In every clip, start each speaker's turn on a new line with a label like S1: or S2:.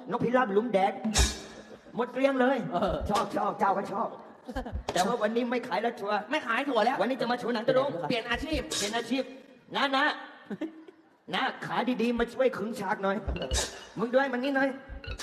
S1: นกพิราบหลุมแดกหมดเกลี้ยงเลยชอบเจ้าก็ชอบแต่ว่าวันนี้ไม่ขายแล้วชัวร์
S2: ไม่ขายถั่วแล้ว
S1: วันนี้จะมาโชว์หนังตะลุง
S2: เปลี่ยนอาชีพ
S1: เป็นอาชีพนะขาดีๆมาช่วยขึงฉากหน่อยมึงด้วยมันนี่หน่อย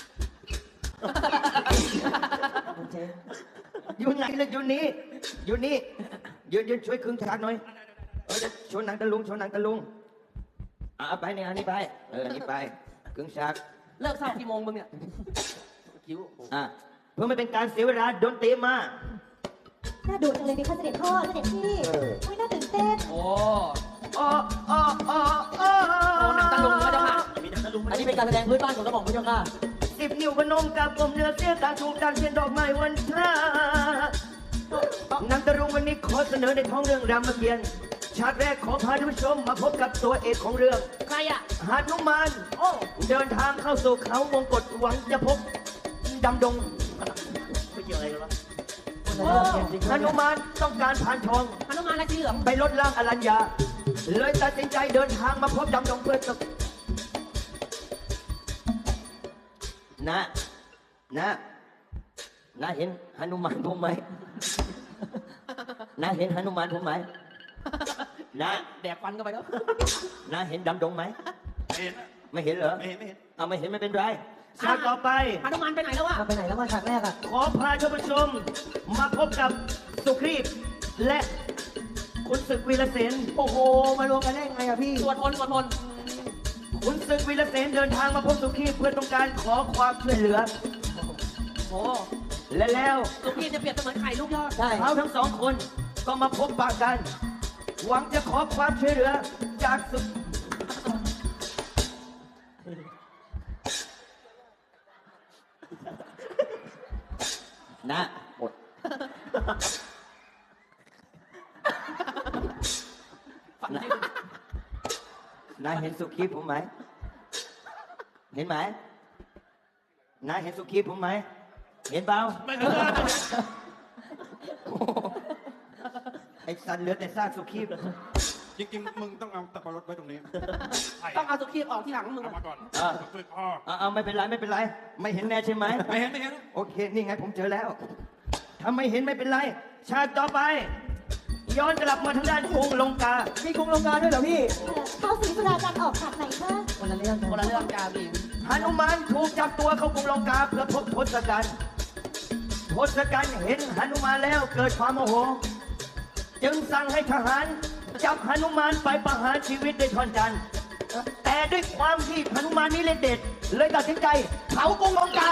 S1: อยู่ไหนเลยอยู่นี่ยืนช่วยขึงฉากหน่อยโชว์หนังตะลุงเอาไปเนี่ยอันนี้ไปอันนี้ไปขึงฉาก
S2: เลิกเศร้ากี่โมงมึงเนี่ยคิ้ว
S1: เพื่อไม่เป็นการเสียเวลาดนตรีมา
S3: น่าดูจังเลยพี่คะเสด็จพ่อเสด็จพี่ไม่น่าตื่นเต้น
S2: โอ้
S1: โอ้
S2: หนังตะลุงพระเจ้าค่ะ
S4: อันนี้เป็นการแสดงพื้นบ้านของกระหม่อมพระเจ้าค่ะ
S1: 10 นิ้วพนมกับกลมเนื้อเสียการถูกดันเทียนดอกไม้วันพระหนังตะลุงวันนี้ขอเสนอในท้องเรื่องรามเกียรติ์ฉากแรกขอพาท่านผู้ชมมาพบกับตัวเอกของเรื่อง
S2: ใครอ่ะ
S1: หนุมานเดินทางเข้าสู่เขาวงกฏหวังจะพบดำดง
S2: ไม่เกี่ยวอะไรกันวะ
S1: หนุมานต้องการผ่านทอง
S2: หนุมานอะไรสีเหลือง
S1: ไปลดล่างอรัญญาเลยตัดสินใจเดินทางมาพบดำดงเพื่อจะนะเห็นหนุมานผมไหมนะเห็นหนุมานผมไหมนะ
S2: แดกฟันเข้าไปแล้ว
S1: นะเห็นดำดงไหม
S5: เห็น
S1: ไม่เห็นเหรอ
S5: ไม่เห็นไม่เห็น
S1: เอาไม่เห็นไม่เป็นไรฉากต่อไป
S2: หนุมานไปไหนแล้ววะ
S4: ไปไหนแล้วมาฉากแรกอ่ะ
S1: ขอพาท่านผู้ชมมาพบกับสุครีพและคุณศึกวีรเสน
S4: โอ้โหมารวมกันได้ยังไงอะพี่
S2: สวดมนต์
S1: คุณศึกวีรเสนเดินทางมาพบสุครีพเพื่อต้องการขอความช่วยเหลือ
S2: โอ้
S1: และแล้ว
S2: ลูกพี่จะเปรียบเสมือนไข่ลูกยอด
S4: ใช่
S1: เขาทั้งสองคนก็มาพบปะกัน หวังจะขอความช่วยเหลือจากสุดนะหมดนะเห็นสุขีผมไหมเห็นไหมนะเห็นสุขีผมไหมเห็นเปล่า
S5: ไม่เห็น
S1: ไอ้สันเหลือแต่ซากสุขี
S5: จริงๆมึงต้องเอาตะปรดไว้ตรงนี้
S2: ต้องเอาสุขีออกที่หลังมึง
S5: เอามาก่อนช่วยพ่อ
S1: เอาไม่เป็นไรไม่เห็นแน่ใช่ไหม
S5: ไม่เห็นไม่เห็น
S1: โอเคนี่ไงผมเจอแล้วถ้าไม่เห็นไม่เป็นไรฉากต่อไป ย้อนกลับมาทางด้านกรุงลงกา
S4: มีกรุงลงกาด้วยเหรอพี่
S3: เขาสีสุราการออกฉากไหนคะ
S4: คนละเรื่อง
S2: คนละเรื่องจ้าพี่
S1: หนุมานถูกจับตัวเข้ากรุงลงกาเพื่อพบทศกัณฐ์ทศกัณฐ์เห็นหนุมานแล้วเกิดความโมโห จึงสั่งให้ทหารจับหนุมานไปประหารชีวิตด้วยท่อนจันทร์แต่ด้วยความที่หนุมานนี่เล่นเด็ด เลยตัดสินใจเผากรุงลงกา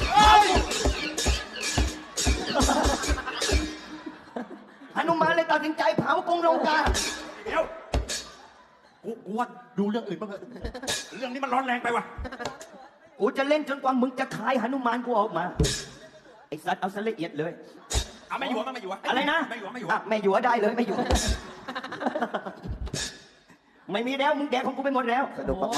S1: หนุมานเลยตัดสินใจเผากรุงลงกา
S5: เดี๋ยวกูว่าดูเรื่องอื่นบ้างเถอะเรื่องนี้มันร้อนแรงไปว่ะ
S1: กูจะเล่นจนกว่ามึงจะขายหนุมานกูออกมา ไอ้สัตว์เอาซะละเอียดเลย
S5: เอาไม่อยู่มั้ยไม่อยู่วะ
S1: อะไรนะ
S5: ไม่อยู่ไม่อยู่
S1: อ่ะไม่อยู่ได้เลยไม่อยู่ ไม่มีแล้วมึงแดกของกูไปหมดแล้ว
S4: สนุกมาก